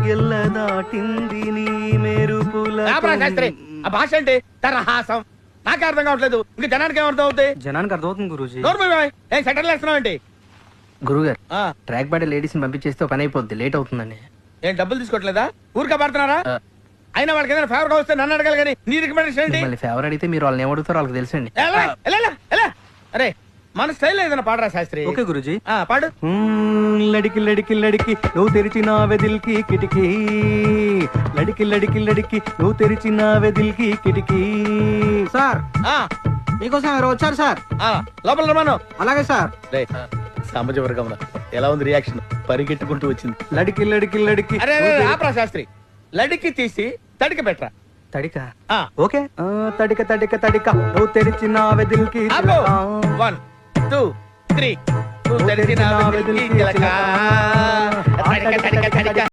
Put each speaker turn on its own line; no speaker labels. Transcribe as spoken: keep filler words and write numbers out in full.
ఎల్ల దాటింది నీ మెరుపుల
శాస్త్రి ఆ భాష ఏంటి తరహాసం నాకే అర్థం కావట్లేదు ఇంకా జనానికి ఏమర్థం అవుతాయి
జనానికి అర్థమవుతుంది గురూజీ
ఏం సెటిల్ చేస్తున్నావు ఏంటి
గురుగారు ట్రాక్ బాడీ లేడీస్ ని పంపించేస్తే పని అయిపోద్ది లేట్ అవుతుందండి
ఏం డబ్బులు తీసుకోవట్లేదా ఊరికే పడుతున్నారా అయినా వాళ్ళకి ఏదైనా ఫేవర్ వస్తే నన్ను అడగాలి కానీ నీ రికమెండేషన్ ఏంటి
మళ్ళీ ఫేవర్ అడిగితే మీరు వాళ్ళని ఏమడుగుతారో వాళ్ళకి తెలుసండి
ఎలా, ఎలా, ఎలా, ఎలా? అరే మన స్టైల్ ఏదైనా పాడరా శాస్త్రి
ఓకే గురూజీ
ఆ, పాడు
లడికి లడికి లడికి నువ్వు తెరిచిన వెదిల్కి కిటికీ లడికి లడికి లడికి నువ్వు తెరిచిన వెదిల్కి కిటికీ
సార్
ఆ,
మీకోసం ఎవరు వచ్చారు సార్?
ఆ, లోపల రమాను
అలాగే సార్.
సామాజ వర్గంలో ఎలా ఉంది రియాక్షన్ పరిగెట్టుకుంటూ వచ్చింది
లడికి లడికి లడికి
అరే అరే, ఆపరా శాస్త్రి లడికి తీసి తడికి పెట్టరా
తడిక
ఆ.
ఓకే ఆ, తడిక తడిక తడిక నువ్వు తెరిచిన వెదిల్కి
ఆపు. వన్ టూ త్రీ నువ్వు తెరిచిన వెలుగుకి చిలక. తడిక, తడిక, తడిక.